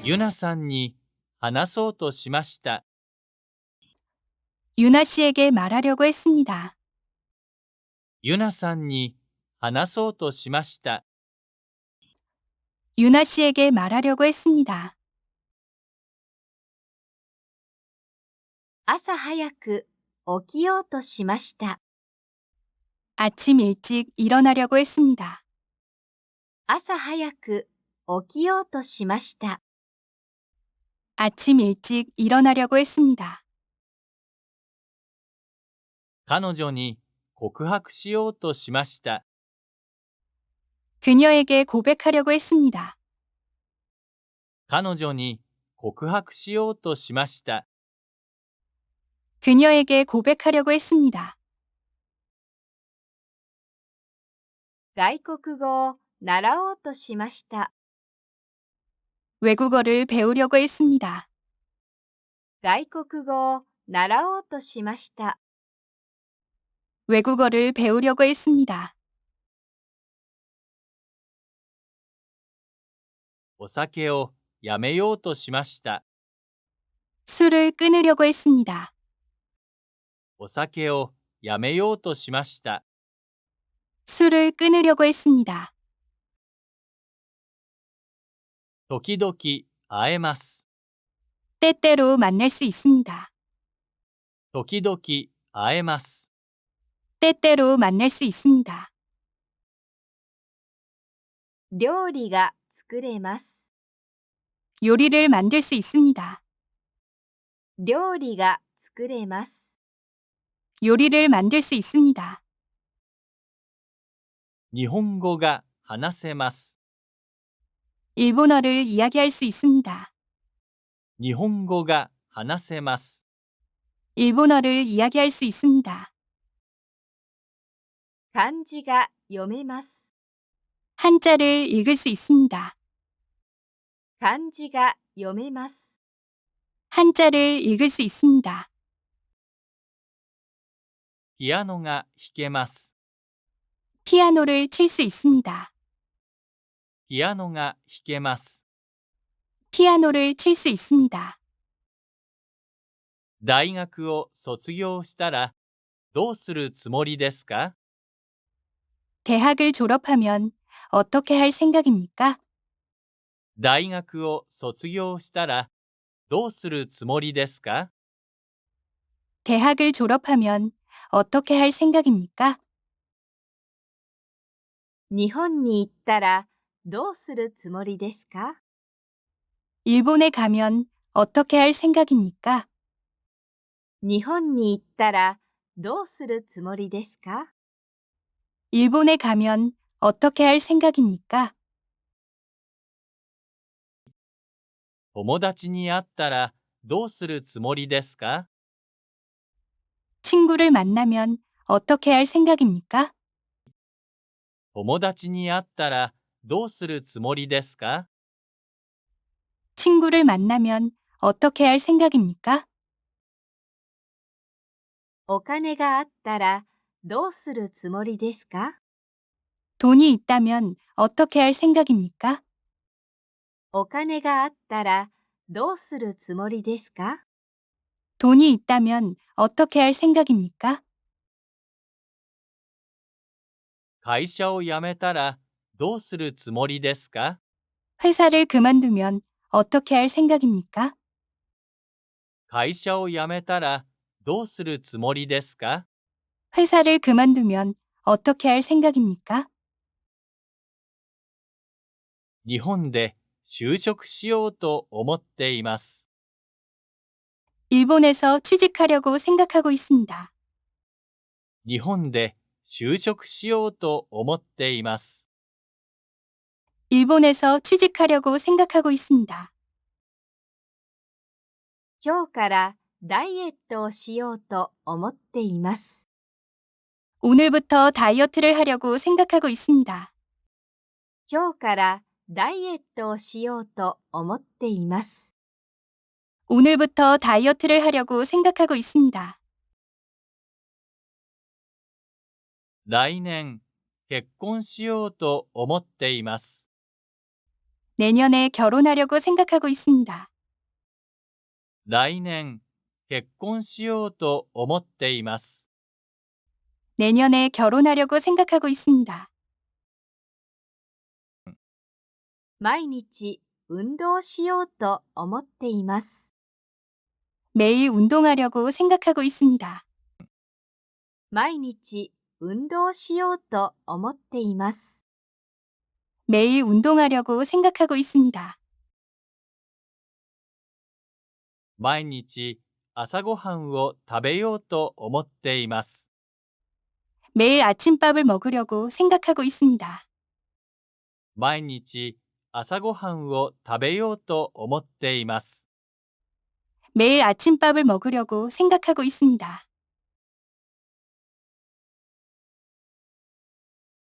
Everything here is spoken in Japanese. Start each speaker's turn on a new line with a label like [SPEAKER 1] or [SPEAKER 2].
[SPEAKER 1] ユナさんに話そうとしました。
[SPEAKER 2] 유나 씨에게 말하려고 했습니다.
[SPEAKER 1] ユナさんに話そうとしました。
[SPEAKER 2] 유나 씨에게 말하려고 했습니다.
[SPEAKER 3] 朝早く起きようとしました。
[SPEAKER 2] 아침 일찍 일어나려고 했습니다.
[SPEAKER 3] 朝早く起きようとしました。
[SPEAKER 2] 아침 일찍 일어나려고 했습니다.
[SPEAKER 1] 彼女に告白しようとしました。
[SPEAKER 2] 그녀에게 고백하려고 했습니다.
[SPEAKER 1] 彼女に告白しようとしました。
[SPEAKER 2] 그녀에게 고백하려고 했습니다.
[SPEAKER 3] 外国語を習おうとしました。
[SPEAKER 2] 외국어를 배우려고 했습니다.
[SPEAKER 3] 外国語を習おうとしました。
[SPEAKER 2] 외국어를 배우려고 했습니다.
[SPEAKER 1] お酒をやめようとしました。
[SPEAKER 2] 술을 끊으려고 했습니다.
[SPEAKER 1] お酒をやめようとしました。
[SPEAKER 2] 술을 끊으려고 했습니다.
[SPEAKER 1] 時々会えます。
[SPEAKER 2] 때때로 만날 수 있습니다.
[SPEAKER 1] 時々会えます。
[SPEAKER 2] 때때로 만날 수 있습니다.
[SPEAKER 3] 料理が作れます。
[SPEAKER 2] 요리를 만들 수 있습니다.
[SPEAKER 3] 料理が作れます。
[SPEAKER 2] 요리를 만들 수 있습니다.
[SPEAKER 1] 日本語が話せます。
[SPEAKER 2] 일본어를 이야기할 수 있습니다.
[SPEAKER 1] 日本語が話せます。
[SPEAKER 2] 일본어를 이야기할 수 있습니다.
[SPEAKER 3] 漢字が読めます。
[SPEAKER 2] 한자를 읽을 수 있습니다.
[SPEAKER 3] 漢字が読めます。
[SPEAKER 2] 한자를 읽을 수 있습니다.
[SPEAKER 1] ピアノが弾けます。
[SPEAKER 2] 피아노를 칠 수 있습니다.
[SPEAKER 1] ピアノが弾けます。
[SPEAKER 2] 피아노를 칠 수 있습니다.
[SPEAKER 1] 大学を卒業したらどうするつもりですか？
[SPEAKER 2] 대학을 졸업하면 어떻게 할 생각입니까?
[SPEAKER 1] 大学を卒業したらどうするつもりですか？
[SPEAKER 2] 대학을 졸업하면 어떻게 할 생각입니까?
[SPEAKER 3] 日本に行ったらどうするつもりですか？
[SPEAKER 2] 일본에 가면 어떻게 할 생각입니까?
[SPEAKER 3] 日本に行ったらどうするつもりですか？
[SPEAKER 2] 일본에 가면 어떻게 할 생각입니까?
[SPEAKER 1] 友達に会ったらどうするつもりですか？
[SPEAKER 2] 친구를 만나면 어떻게 할 생각입니까?
[SPEAKER 1] 友達に会ったらどうするつもりですか？
[SPEAKER 2] 친구를 만나면 어떻게 할 생각입니까?
[SPEAKER 3] お金があったらどうするつもりですか？
[SPEAKER 2] 돈이 있다면 어떻게 할 생각입니까?
[SPEAKER 3] お金があったらどうするつもりですか？
[SPEAKER 2] 돈이 있다면 어떻게 할 생각입니까?
[SPEAKER 1] 会社を辞めたらどうするつもりですか？
[SPEAKER 2] 회사를 그만두면 어떻게 할 생각입니까?
[SPEAKER 1] 会社を辞めたらどうするつもりですか？
[SPEAKER 2] 회사를 그만두면 어떻게 할 생각입니까?
[SPEAKER 1] 日本で就職しようと思っています。
[SPEAKER 2] 일본에서 취직하려고 생각하고 있습니다.
[SPEAKER 1] 日本で就職しようと思っています。
[SPEAKER 2] 일본에서 취직하려고 생각하고 있습니다.
[SPEAKER 3] 今日からダイエットをしようと思っています。
[SPEAKER 2] 오늘부터 다이어트를 하려고 생각하고 있습니다.
[SPEAKER 3] 今日からダイエットをしようと思っています。
[SPEAKER 2] 오늘부터 다이어트를 하려고 생각하고 있습니다.
[SPEAKER 1] 来年結婚しようと思っています。
[SPEAKER 2] 내년에 결혼하려고 생각하고 있습니다.
[SPEAKER 1] 来年、結婚しようと思っています。
[SPEAKER 2] 내년에 결혼하려고 생각하고 있습니다.
[SPEAKER 3] 毎日運動しようと思っています。
[SPEAKER 2] 매일 운동하려고 생각하고 있습니다.
[SPEAKER 3] 毎日運動しようと思っています。
[SPEAKER 2] 매일 운동하려고 생각하고 있습니다.
[SPEAKER 1] 毎日、朝ごはんを食べようと思っています。
[SPEAKER 2] 매일 아침밥을 먹으려고 생각하고 있습니다.
[SPEAKER 1] 毎日、朝ごはんを食べようと思っています。
[SPEAKER 2] 매일 아침밥을 먹으려고 생각하고 있습니다.